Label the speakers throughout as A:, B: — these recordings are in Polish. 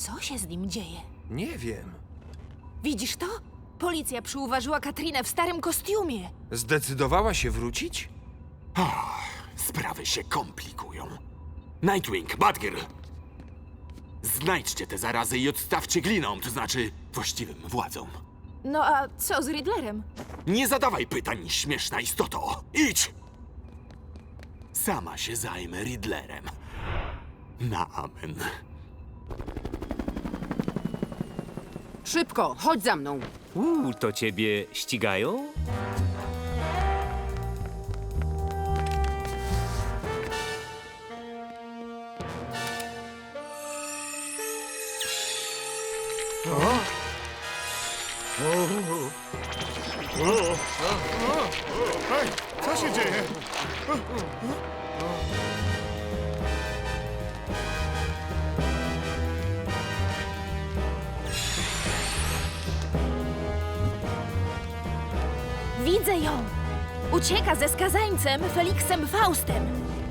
A: Co się z nim dzieje?
B: Nie wiem.
A: Widzisz to? Policja przyuważyła Katrinę w starym kostiumie.
B: Zdecydowała się wrócić?
C: Sprawy się komplikują. Nightwing, Batgirl! Znajdźcie te zarazy i odstawcie glinom, to znaczy właściwym władzom.
A: No a co z Riddlerem?
C: Nie zadawaj pytań, śmieszna istoto! Idź! Sama się zajmę Riddlerem. Na amen.
D: Szybko, chodź za mną.
E: To ciebie ścigają?
F: Hej, co się dzieje?
A: Widzę ją! Ucieka ze skazańcem Feliksem Faustem.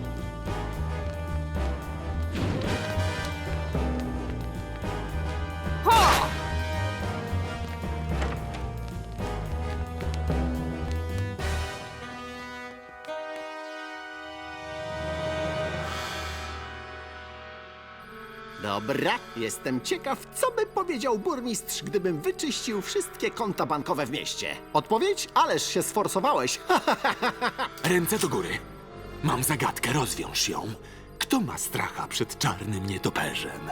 G: Dobra, jestem ciekaw, co by powiedział burmistrz, gdybym wyczyścił wszystkie konta bankowe w mieście. Odpowiedź? Ależ się sforsowałeś.
C: Ręce do góry. Mam zagadkę, rozwiąż ją. Kto ma stracha przed czarnym nietoperzem?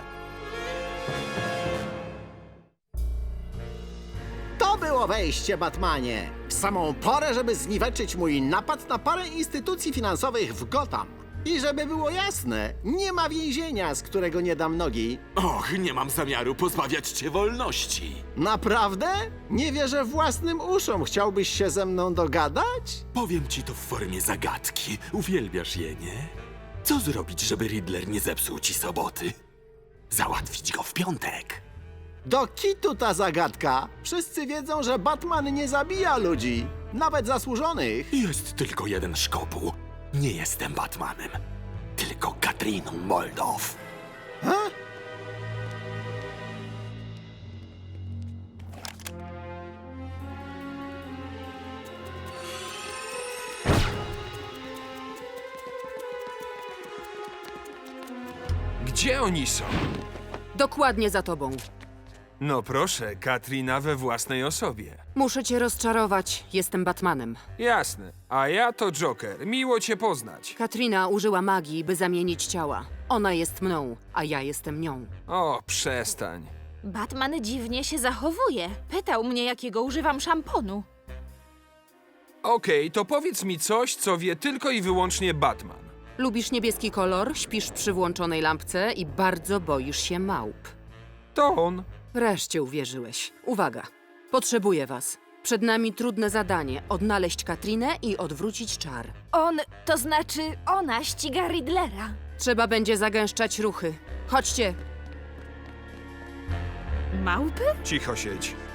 G: To było wejście, Batmanie. W samą porę, żeby zniweczyć mój napad na parę instytucji finansowych w Gotham. I żeby było jasne, nie ma więzienia, z którego nie dam nogi.
C: Och, nie mam zamiaru pozbawiać cię wolności.
G: Naprawdę? Nie wierzę własnym uszom. Chciałbyś się ze mną dogadać?
C: Powiem ci to w formie zagadki. Uwielbiasz je, nie? Co zrobić, żeby Riddler nie zepsuł ci soboty? Załatwić go w piątek.
G: Do kitu ta zagadka. Wszyscy wiedzą, że Batman nie zabija ludzi. Nawet zasłużonych.
C: Jest tylko jeden szkopuł. Nie jestem Batmanem, tylko Katriną Moldow.
B: Gdzie oni są?
D: Dokładnie za tobą.
B: No proszę, Katrina we własnej osobie.
D: Muszę cię rozczarować. Jestem Batmanem.
B: Jasne. A ja to Joker. Miło cię poznać.
D: Katrina użyła magii, by zamienić ciała. Ona jest mną, a ja jestem nią.
B: O, przestań.
A: Batman dziwnie się zachowuje. Pytał mnie, jakiego używam szamponu.
B: Okej, to powiedz mi coś, co wie tylko i wyłącznie Batman.
D: Lubisz niebieski kolor, śpisz przy włączonej lampce i bardzo boisz się małp.
B: To on.
D: Wreszcie uwierzyłeś. Uwaga, potrzebuję was. Przed nami trudne zadanie. Odnaleźć Katrinę i odwrócić czar.
A: To znaczy ona ściga Riddlera.
D: Trzeba będzie zagęszczać ruchy. Chodźcie.
A: Małpy?
B: Cicho siedź.